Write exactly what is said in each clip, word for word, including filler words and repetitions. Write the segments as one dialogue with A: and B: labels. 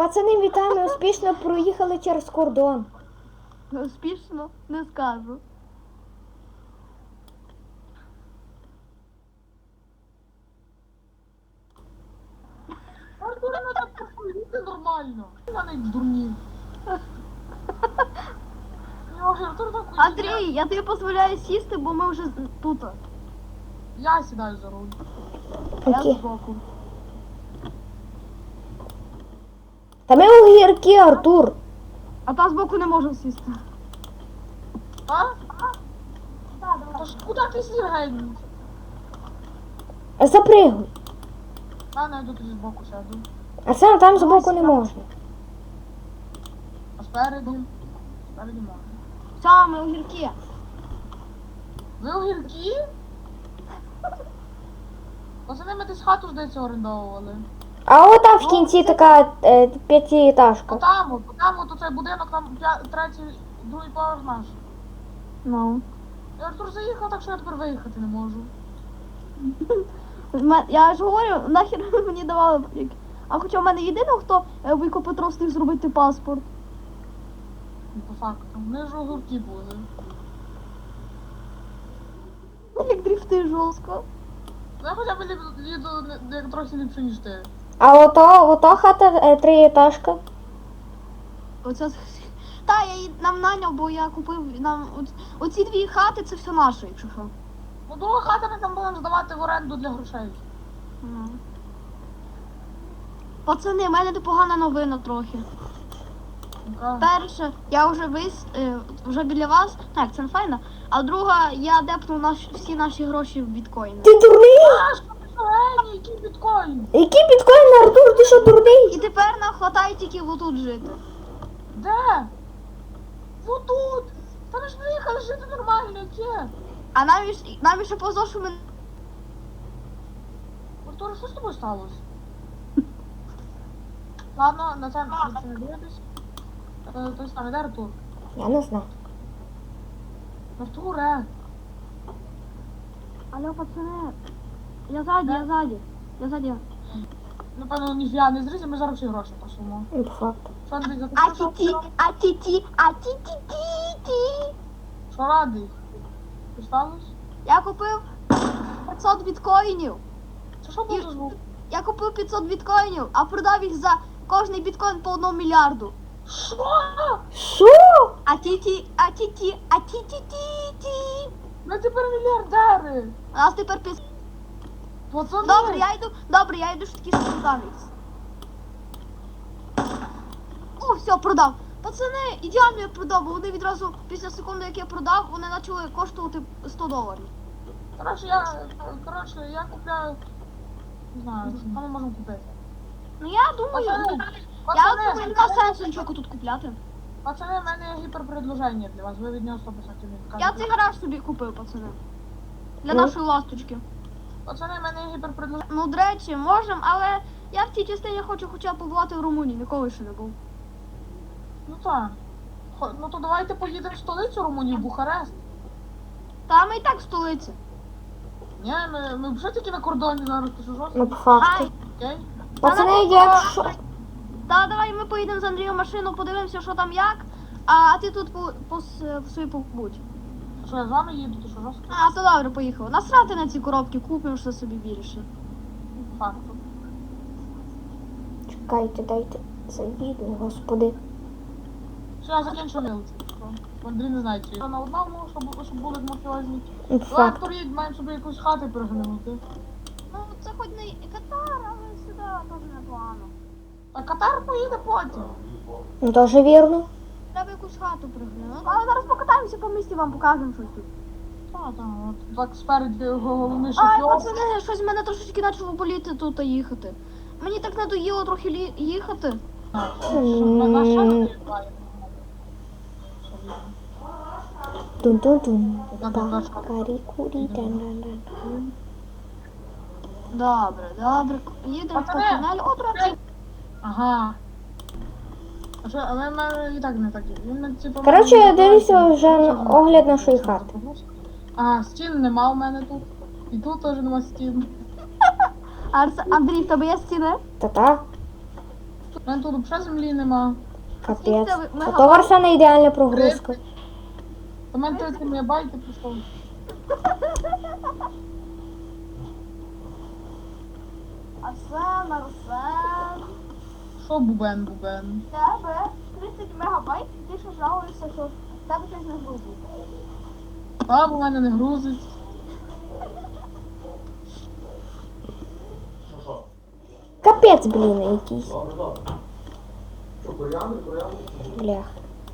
A: Пацани, вітаємо, успішно проїхали через кордон.
B: Успішно? Не скажу.
C: Артур, ну так посидіти нормально. Я не дурні. Артур так
B: Андрій, я тобі дозволяю сісти, бо ми вже тут.
C: Я сідаю за руль.
B: Я
A: Окей.
B: збоку.
A: Та ми огірки, Артур.
B: А та збоку не можу сісти.
C: А? Та ж куди ти сів, гень?
A: Запригуй.
C: А, не, тут зі збоку сяду.
A: А сам там збоку не можна.
C: А спереді? Спереді можна.
B: Саме огірки.
C: Ви огірки? Пацани, ми десь хату, здається, орендовували.
A: А от там в кінці така е, п'ятиэтажка.
C: Отам, от, отам, от оцей будинок, там п'я- третій, другий поверх наш.
B: Ну.
C: І Артур заїхав, так що я тепер виїхати не можу.
B: Я ж говорю, нахер мені давали. А хоча в мене єдиний, хто е, викупить встиг зробити паспорт.
C: Ну, по факту. Вони ж огірки були.
B: Як дрифти жорстко.
C: Ну, я хоча б ліп- їду не- як трохи ліпше, ніж ти.
A: А ото, ото хата е, триэтажка.
B: Оце... Та, я її нам наняв, бо я купив нам. Оц- Оці дві хати це все наше, якщо що.
C: Ну, друга хата ми там будемо здавати в оренду для грошей.
B: Ну. Пацани, в мене непогана новина трохи.
C: Яка?
B: Перше, я вже вис е, вже біля вас, так, це не файно. А друга, я депнув наш, всі наші гроші в біткоїни.
A: Ти дурний?
C: А, що ти геній, який біткоін?
A: Який біткоін, Артур, ти що дурний?
B: І тепер нам хватає тільки отут жити.
C: Де? Вот тут. Та ми ж виїхали жити нормально, яке?
B: А нам, ж- нам ще повезло, що ми.
C: Артур, що з тобою сталося? Ладно, на це на це не дивитись. Е, Той самий, де Артур?
A: Я не знаю.
C: Артуре.
B: Алло, пацани. Я ззаді, я ззаді. Я ззаді.
C: Напевно, ніфіга не зрізі, ми зараз всі гроші посумо.
A: Ну, по факту.
C: Що, Андрій, за
B: А
C: те, що
B: ті-ті, а ті-ті, а ті-ті-ті-ті.
C: Що радий? Що сталося?
B: Я купив п'ятсот біткоїнів.
C: Це що був за звук?
B: Я купив п'ятсот біткоїнів, а продав їх за кожний біткоін по одному мільярду.
C: Що?
A: Що?
B: А ті-ті, а ті-ті, а ті-ті-ті-ті.
C: Ми тепер мільярдери.
B: У нас тепер п'ятсот.
C: Пацани.
B: Добре, я йду, добре, я йду ж таки скрутамець. О, все, продав. Пацани, ідеально я продав, бо вони відразу після секунди, як я продав, вони почали коштувати сто доларів.
C: Коротше, я, коротше, я купляю, не знаю, що ми можемо купити.
B: Ну я думаю,
C: Пацани,
B: ну, я
C: пацани,
B: думаю, нема сенсу нічого тут купляти.
C: пацани, в мене є гіперпредложення для вас, ви від нього сто відсотків не
B: Я
C: відкажете.
B: цей гараж собі купив, пацани. Для
A: Ну.
B: нашої ласточки.
C: Пацани, в мене є гіперпредложення.
B: Ну, до речі, можемо, але я в цій частині хочу хоча б побувати в Румунії, ніколи ще не був.
C: Ну так. Хо- Ну то давайте поїдемо в столицю Румунії, в Бухарест.
B: Та ми і так в столиці.
C: Ні, ми, ми вже тільки на кордоні зараз, ти що
A: Ну,
C: жорстко?
A: по факту.
B: Хай.
C: Окей?
A: Пацани, якщо...
B: Та давай ми поїдемо з Андрієм в машину, подивимося, що там як, а ти тут по, по, с- собі побудь.
C: Що я з вами їду, ти що жорстко?
B: А, то добре, поїхали. Насрати на ці коробки, купимо що собі більше.
C: По факту.
A: Чекайте, дайте заїду, господи.
C: Що я закінчу милиці. Андрій не знає, чи я на одному, щоб, щоб були мафіозні.
A: Ну, по
C: Давай,
A: факту.
C: Артур, їдь, маємо собі якусь хату переглянути.
B: Ну, це хоч не Катар, але сюди теж непогано.
C: А Катар поїде потім.
A: Ну, дуже вірно.
B: Треба якусь хату приглянути. Але зараз покатаємося по місті, вам покажемо щось тут.
C: А, так, от так спереді головний
B: Ай,
C: шофьор.
B: пацани, щось в мене трошечки почало боліти тут їхати. Мені так надоїло трохи лі- їхати.
C: На на що ти їдеш?
A: Тун-тун-тун.
C: Так, так, так.
A: Карі-курі, дан-дан-дан.
B: Добре, добре. Їдемо по
C: Пацани,
B: тунелю. О, до речі.
C: Ага. А що, але в мене і так не такі. Він, типу,
A: Коротше,
C: мене-
A: я дивлюся вже на огляд нашої хати.
C: Ага, стін нема у мене тут. І тут теж нема стін.
B: Арс... Андрій, в тебе є стіни?
A: Та-та.
C: У мене тут взагалі землі нема.
A: Капець.
B: Скільки
A: А
B: мегабайт?
A: то Арсена ідеальна прогрузка.
C: У мене тридцять мегабайт пішов.
B: Арсен, Арсен.
C: Що бубен, бубен?
B: В тебе тридцять мегабайт, і ти ще жалуєшся, що в тебе щось не грузить.
C: А, у мене не грузить.
A: Капець, блін, якийсь.
D: Добре, добре. Що, коріандр, коріандр?
A: Блях.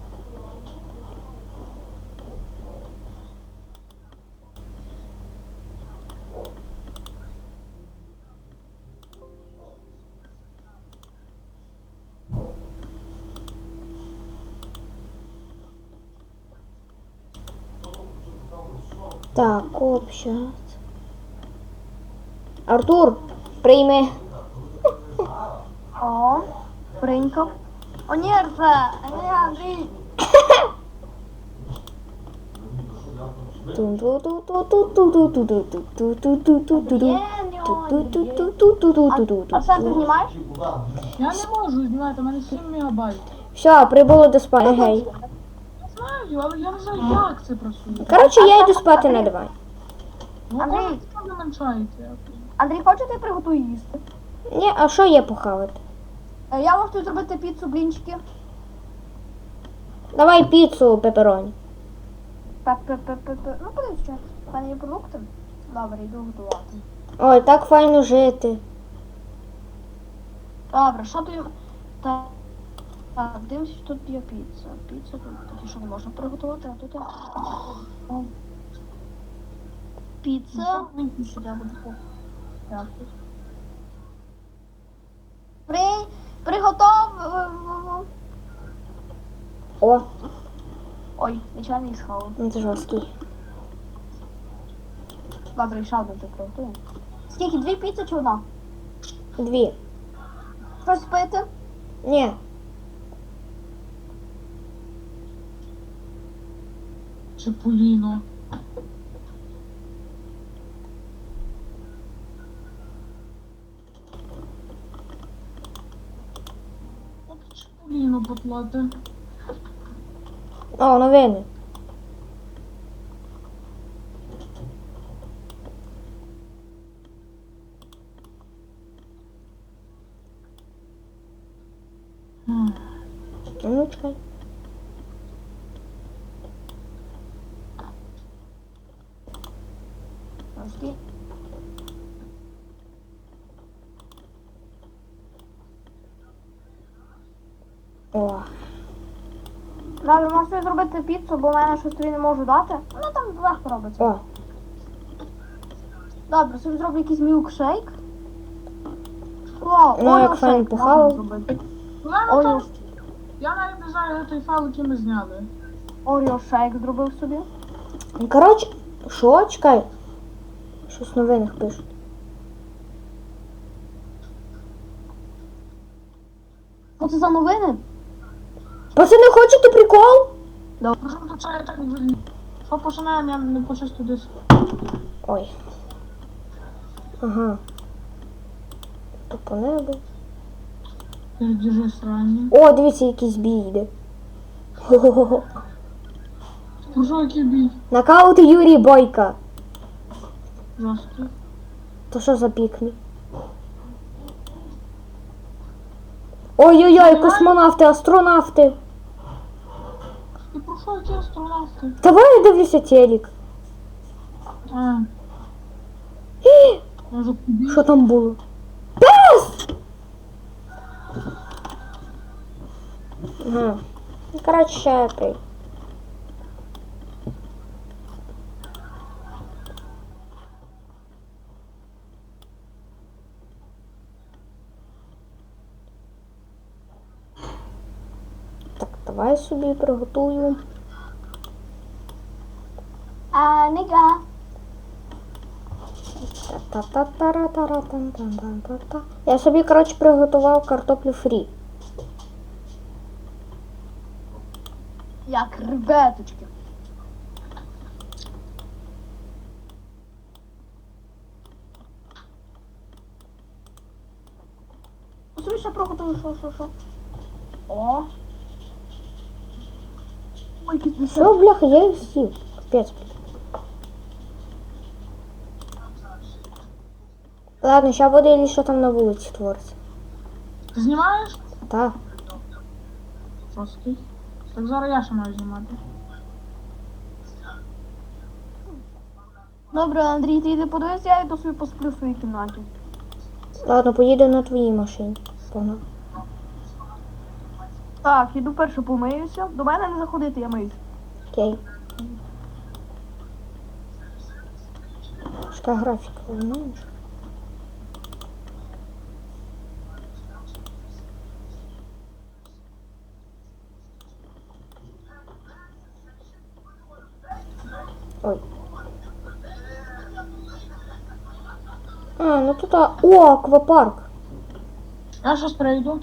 A: Так, общаться. Артур, прийми.
B: О, прийнькав. О, ні, Арсен, ні, Андрій. Арсен, ти знімаєш?
C: Я не можу знімати, у мене сім мегабайт.
A: Все, прибуло до спати, гей.
C: Я знаю, але я не знаю, як це працює.
A: Коротше, я йду спати на диван.
C: Ну,
B: Андрій.
C: може, це не меншається.
B: Андрій, хочете, я приготую їсти?
A: Ні, а що є похавати?
B: Е, Я можу зробити піцу, блінчики.
A: Давай піцу пепероні.
B: Пе-пе-пе-пе-пе. Ну, подивись, що в мене є продукти. Добре, йду готувати.
A: Ой, так файно жити.
B: Добре, що тут? Так, так, дивимося, що тут є піца. Піца тут такі, що не можна приготувати, а тут є. О. Піца. Сюди буде.
C: Дякую.
B: При... Приготов...
A: О,
B: Ой, нічого не схавав.
A: ну це жорсткий.
B: Добре, ще одну ти приготуємо. Скільки? Дві піци чи одна?
A: Дві.
B: Щось пити?
A: Ні.
C: Чепуліно. От Чепуліно потлати.
A: О, новини.
C: М.
A: Ну, чекай.
B: Трошки.
A: О.
B: Добре, можете зробити піцу, бо в мене щось тобі не можу дати. Ну там легко робиться.
A: О.
B: Добре, собі зроблю якийсь мілкшейк. О,
A: Ну, як
B: Орео
A: файн
B: шейк
A: похавав.
B: можна зробити.
C: У мене
B: Орео,
C: там, я навіть не знаю, де той файл, який ми зняли.
B: Орео шейк зробив собі.
A: Коротше, що? Чекай. Щось в новинах пишуть.
B: Що це за новини?
A: Пацани, хочете прикол?
C: Прошу, це я так не вільні. Що починаємо, я не почистю диск.
A: Ой. Ага. То по небу.
C: Держи срані.
A: О, дивіться, якийсь бій йде. Хо-хо-хо.
C: Про що який бій?
A: Нокаут Юрій Бойка.
C: Жорсткий.
A: То що за пікмі? Ой-ой-ой, космонавти, астронавти.
C: І про що які астронавти?
A: Давай я дивлюся телек.
C: А,
A: Гі!
C: може кубі?
A: Що там було? Пес! Ага. Ну, коротше, ще я прийду. Так, давай собі приготую.
B: А, нига.
A: Та-та-та-та-ра-та-ра-та-ра-та-та-та. Я собі, коротше, приготував картоплю фрі.
B: Як ребяточки. Собі ще приготую, що, що, що. О. Ой, якийсь мішок.
A: Що, бляха, я їх з'їв. Капець. Ладно, ща буде, що там на вулиці твориться.
C: Ти знімаєш?
A: Так.
C: Жорсткий. Так зараз я ще маю знімати.
B: Добре, Андрій, ти йди подивись, я йду собі посплю в своїй кімнаті.
A: Ладно, поїду на твоїй машині. Погнав.
B: Так, іду перше помиюся. До мене не заходити, я миюсь.
A: Окей. Шка графіка, знаєш? Ой. А, ну тут, а... О, аквапарк.
C: Я щось прийду.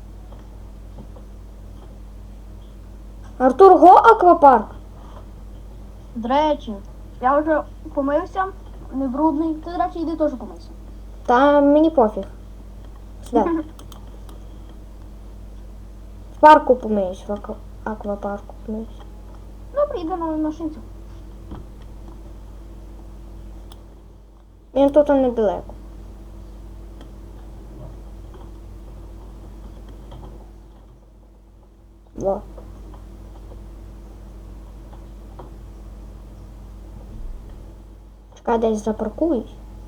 A: Артур, го аквапарк?
B: До речі, я вже помився, не брудний. Ти, до речі, йди теж помийся.
A: Та мені пофіг. Сюди. В парку помиюсь, в аква... аквапарку помиюсь.
B: Добре, йди на машинцю.
A: Він тут недалеко. Во. Чекай, десь запаркуюсь.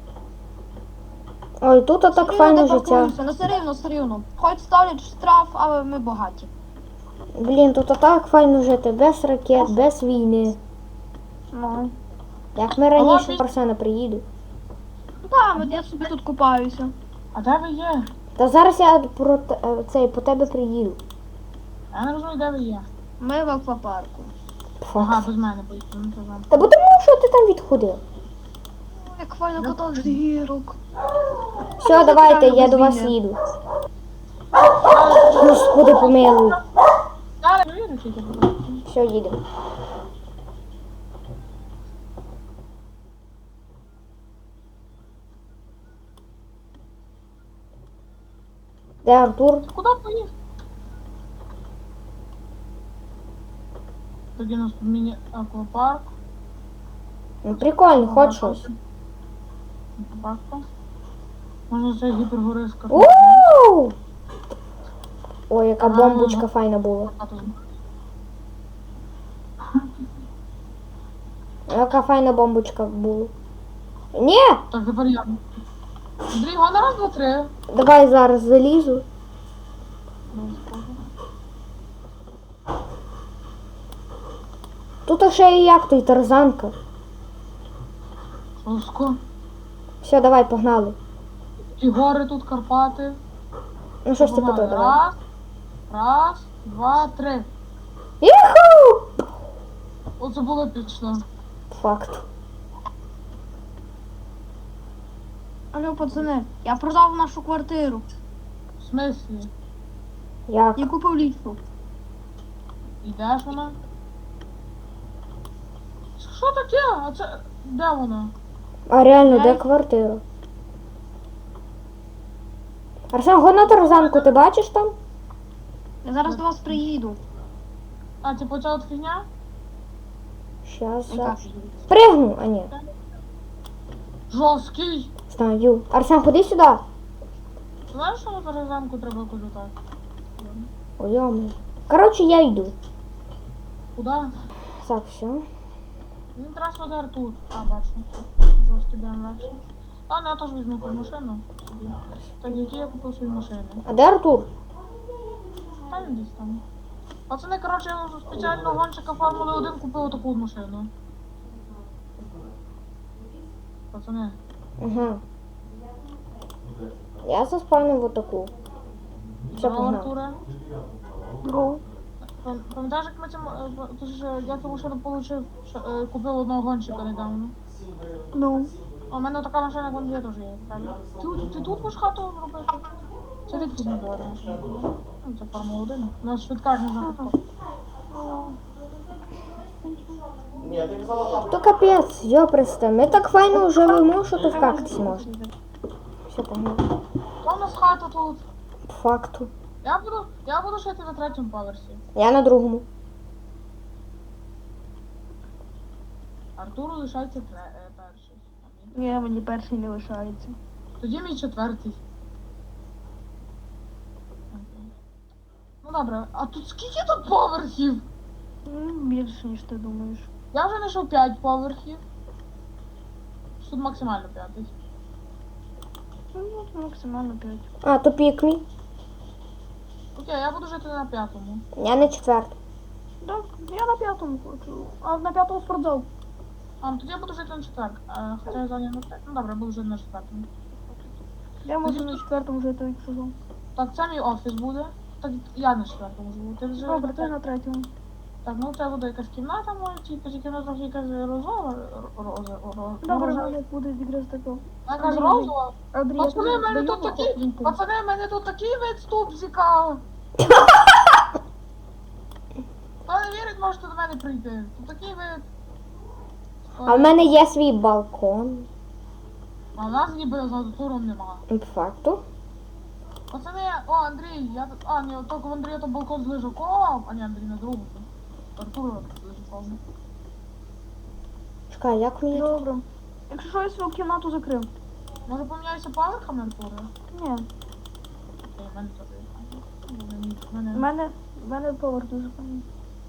A: Ой, тут так
B: Серйозно,
A: файне
B: де
A: життя.
B: паркуємося? Ну, все рівно, все рівно. Хоч ставлять штраф, але ми багаті.
A: Блін, тут так файно жити, без ракет, без війни.
B: Ну.
A: Як ми раніше
C: Ага.
A: Арсена приїду.
B: Так, от я собі тут купаюся.
C: А де ви є?
A: Та зараз я про те- е, цей по тебе приїду.
C: Я не розумію, де ви є.
B: Ми в аквапарку.
C: Ага, без мене поїхали. Ну, то вам.
A: Та бо тому, що ти там відходив.
B: О, як файно катати з гірок.
A: Все, давайте, я
B: без
A: до вас
B: війни.
A: їду. Господи, помилуй.
C: Зараз не вірю, тільки будь ласка.
A: Все, їдемо. Де Артур?
C: Куди поїхав? Тоді у нас тут міні-аквапарк.
A: Ну, прикольно, хоч щось.
C: Аквапарк. Можна це гіпергориска.
A: Ууу! Ой, яка бомбочка файна була. Яка файна бомбочка була. Ні!
C: Так, тепер я. Андрій, го на раз, два, три.
A: Давай зараз залізу. Тут ще і як той тарзанка.
C: Жорстко.
A: Все, давай, погнали.
C: І гори тут, Карпати.
A: Ну що ж ти
C: Погнали.
A: потім, давай.
C: Раз, раз, два, три.
A: Юху!
C: Оце було епічно.
A: Факт.
B: Алло, пацани, я продав нашу квартиру
C: В смислі?
A: Як?
B: і купив ліжко.
C: І де ж вона? Що таке? А це... Де вона?
A: А реально, де
B: Ай.
A: квартира? Арсен, го на тарзанку, ти бачиш там?
B: Я зараз до вас приїду.
C: А, типу ця от фігня?
A: Щас,
B: Яка
A: щас.
B: фігня?
A: Пригну, а ні.
C: Жорсткий.
A: Знаю. Арсен, ходи сюди.
C: Знаєш, що на перезамку треба якось отак?
A: Ой, йоми. Коротше, я йду.
C: Куди?
A: Так, все.
C: Він трасу Артур. А, бачу. Жорсткий бе ем ве. Ладно, я теж візьму ту машину собі. Так, які я купив свої машини.
A: А де Артур?
C: Та він десь там. Пацани, коротше, я вже спеціально гонщика Формули один купив таку машину. Пацани.
A: Ага. Я заспавнив отаку. Все,
C: Здорово,
A: погнав.
C: Артуре.
B: Другу.
C: Пам- Пам'ятаєш, як ми цим, е, ти ж, е, я цю машину получив, що, е, купив одного гонщика недавно.
B: Ну.
C: А в мене така машина, як вон є, теж є. правильно? Ти, ти тут будеш хату робити? Це рідко не була машина. Ну, це Формула один. У нас швидка ж не знаю.
D: Ні, ти казала там.
A: То капець, йопресте. Ми так файно живемо, що то в кактусі можна. Все, погнав.
C: Та у нас хата тут.
A: По факту.
C: Я буду, я буду жити на третьому поверсі.
A: Я на другому.
C: Артуру лишається тре- е, перший. А мені-
B: Ні, мені перший не лишається.
C: Тоді мій четвертий. Окей. Ну добре, а тут скільки тут поверхів?
B: Ну, більше, ніж ти думаєш.
C: Я вже знайшов п'ять поверхів. Тут максимально п'ятий.
B: Ну, максимально п'ять.
A: А, то пік мій.
C: Окей, я буду жити на п'ятому.
A: Я на четвертому.
B: Так, я на п'ятому хочу. А на п'ятому спортзал.
C: А, ну тоді я буду жити на четвертому. Е, Хоча я зайняв на третьому. Ну добре, я буду жити на четвертому.
B: Я можу на четвертому жити, якщо що.
C: Так, це мій офіс буде. Так, я на четвертому живу. Ти вже
B: Добре, ти на третьому.
C: Так, ну це буде якась кімната моя, тільки тільки вона трохи якась розова. Роза, роза,
B: Добре, в
C: роза.
B: мене буде якраз тако.
C: Якась
B: Андрій,
C: розова.
B: Андрій, я
C: Пацани,
B: тобі
C: в мене
B: даю
C: тут такі,
B: лінку.
C: пацани, в мене тут такий вид ступзика. Хто не вірить, можете до мене прийти. Тут такий вид.
A: А в мене є свій балкон.
C: А в нас ніби за туром нема.
A: По факту.
C: Пацани, о, Андрій, я тут, а, ні, тільки в Андрія то балкон з лежаком, а ні, Андрій на другому. Артур з лежаком.
A: Чекай, як мені тут?
B: Добре. Якщо що, я свою кімнату закрив.
C: Може поміняйся поверхами, Артура?
B: Ні.
C: Окей, в мене теж є. В
B: В
C: мене,
B: мене, в мене поверх дуже файний.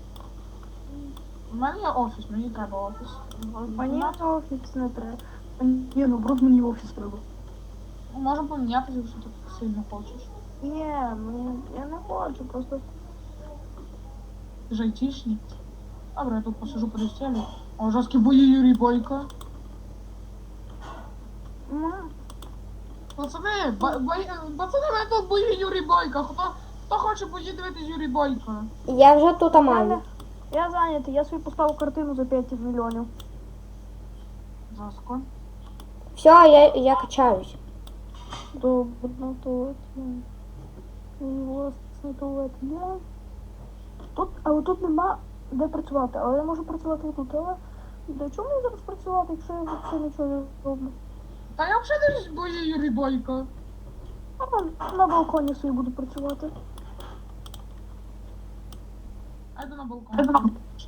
C: в мене є офіс, мені треба офіс.
B: Мені офіс не треба. Ні, ну брат, мені офіс треба.
C: Ну, можемо помінятися, якщо ти сильно хочеш.
B: Ні, мені, я не хочу, просто...
C: Ти ж айтішник. Добре, я тут посижу по стелі. О, жорсткі бої Юрій Бойко.
B: Ну,
C: Пацани, бо- бої, пацани, в мене тут бої Юрій Бойко. Хто, хто хоче бої дивитись Юрій Бойко?
A: Я вже тут
B: в
A: маю.
B: мене... Я зайнятий, я собі поставив картину за п'ять мільйонів.
C: Жорстко.
A: Все, я, я качаюсь.
B: Добре, ну то от я. І власне туалет є. Тут, але тут нема де працювати, але я можу працювати і тут, але для чого мені зараз працювати, якщо я взагалі нічого не роблю?
C: Та я взагалі дивлюсь бої Юрій Бойко.
B: А там на балконі собі буду працювати.
C: А йду на балкон.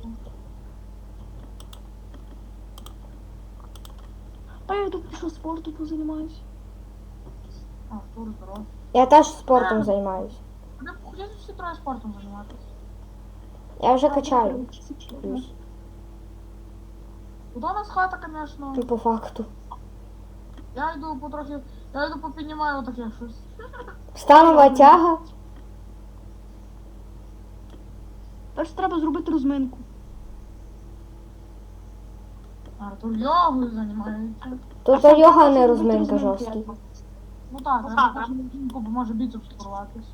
B: Та я тут пішов спорту позаймаюсь.
C: А, Артур, здоров.
A: Я теж спортом займаюсь.
C: Де ходять всі троє спортом займатися?
A: Я вже качаю. Плюс.
C: Куда у нас хата, конечно.
A: Ну, по факту.
C: Я йду потрохи, я йду попіднімаю отаке щось.
A: Станова тяга.
B: Тож треба зробити розминку.
C: Артур йогою займається.
A: Тут то йога не розминка жорсткий.
C: Ну так, я так, бо може біцепс порватись.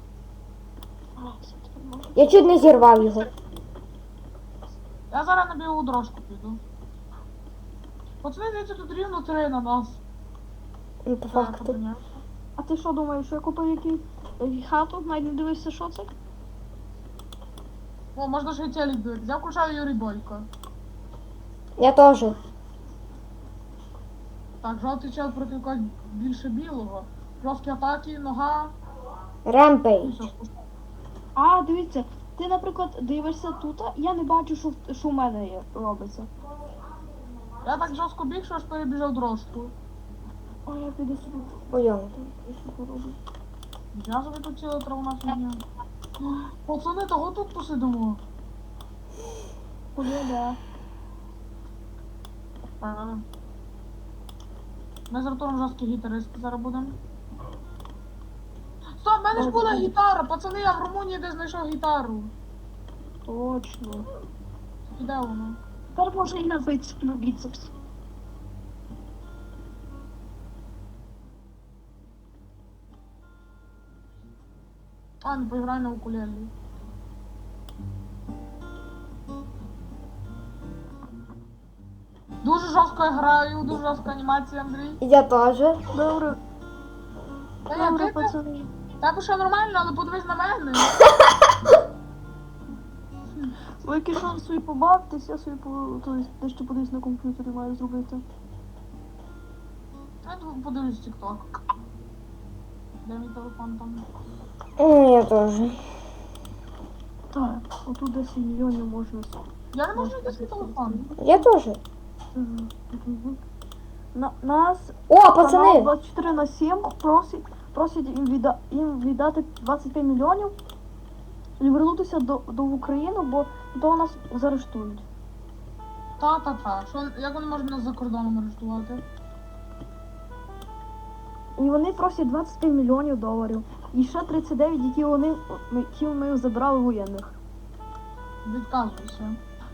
A: Я чуть не зірвав його.
C: Я зараз на білу дорожку піду. Пацани, дивіться, тут рівно три на нас.
A: Ну, по факту.
B: А ти що думаєш, що я купив який е, хату, навіть не дивився, що це?
C: О, можна ще й телек дивитися. Я включаю Юрій Бойко.
A: Я теж.
C: Так, жовтий чел проти когось більше білого. Жорсткі атаки, нога. І
A: Ремпейдж.
C: все, спускаю.
B: А, дивіться, ти, наприклад, дивишся тут, я не бачу, що, в- що в мене є, робиться.
C: Я так жорстко біг, що аж перебіжав дорожку.
B: О, я піду собі.
A: Ой,
B: Я що пороблю.
C: Я собі тут ціла травна фігня. Пацани, того тут посидимо.
B: Куди, да.
C: Ага. Ми з Артуром жорсткі гітаристи зараз будемо. Стоп, в мене ж була гітара, пацани, я в Румунії де знайшов гітару.
B: Точно.
C: І де вона?
B: Тепер може і на біцепс, на біцепс.
C: А, не поіграй на укулелі. Дуже жорстко я граю, дуже жорстка анімація, Андрій.
A: Я теж.
B: Добре,
C: Та я
B: добре,
C: ти,
B: пацани.
C: тебе ще нормально, але подивись на мене.
B: Ви якщо собі побавтесь, я собі по... то есть, дещо подивись на комп'ютері маю зробити.
C: Я тут подивлюсь TikTok. Де мій телефон там?
A: М, Я теж.
B: Так, отут десять мільйонів можна.
C: Я не можу знайти свій телефон.
A: Я теж.
B: Мгм. Мгм. На, нас
A: О,
B: канал
A: пацани!
B: двадцять чотири на сім просить, просить їм, відда, їм віддати двадцять п'ять мільйонів і вернутися до, до України, бо то нас заарештують.
C: Та-та-та. Що, як вони можуть нас за кордоном арештувати?
B: І вони просять двадцять п'ять мільйонів доларів. І ще тридцять дев'ять, які вони ми- які ми забрали воєнних.
C: Відказуйся.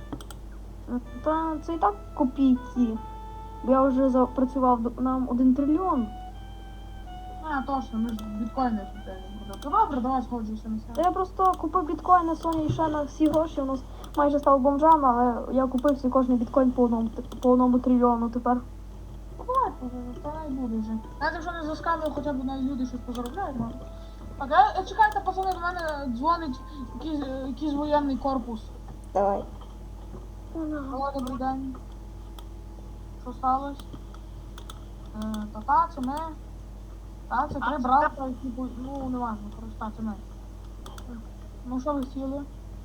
B: Та це і так копійки. Бо я вже запрацював до- нам один трильйон.
C: А, точно, ми ж біткоїни купили. Добре, давай сходжуся на
B: Та
C: це.
B: я просто купив біткоін на Sony і ще на всі гроші. У нас майже став бомжами, але я купив всі кожний біткоін по одному, по одному трильйону тепер.
C: Ну, давай, то не буде вже. Навіть якщо не заскамив, хоча б навіть люди щось позаробляють, ну. Так, е, е, чекайте, пацани, до мене дзвонить якийсь, е, якийсь воєнний корпус.
A: Давай.
C: Алло, добрий день. Що сталося? Е, та та, це ми. Та, це три брата, які, бу- ну, не важно, коротше, та, це ми. Ну, що ви хотіли?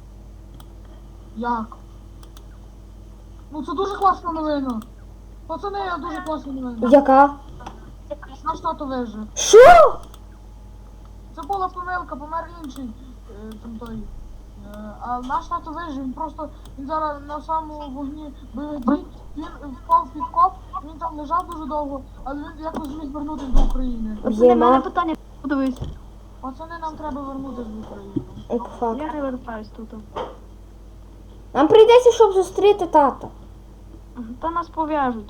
C: Як? Ну, це дуже класна новина. Пацани, я дуже класна новина.
A: Яка?
C: Наш тато вижив.
A: Що?
C: Це була помилка, помер інший е, там той. Е, а наш тато вижив, він просто, він зараз на самому вогні бойових дій, він впав в підкоп, він там лежав дуже довго, але він якось зміг вернутися до України.
B: Це не мене
A: Єма.
B: питання. Подивись.
C: Пацани, нам треба вернутися до України.
A: Ой, по факту.
B: Я не вертаюсь тут.
A: Нам прийдеться, щоб зустріти тата.
B: Та нас пов'яжуть.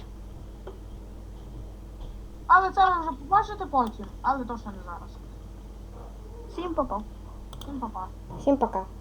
C: Але це ви вже побачите потім, але точно не зараз.
B: Всім попав.
C: Всім па-па.
A: Всім пока.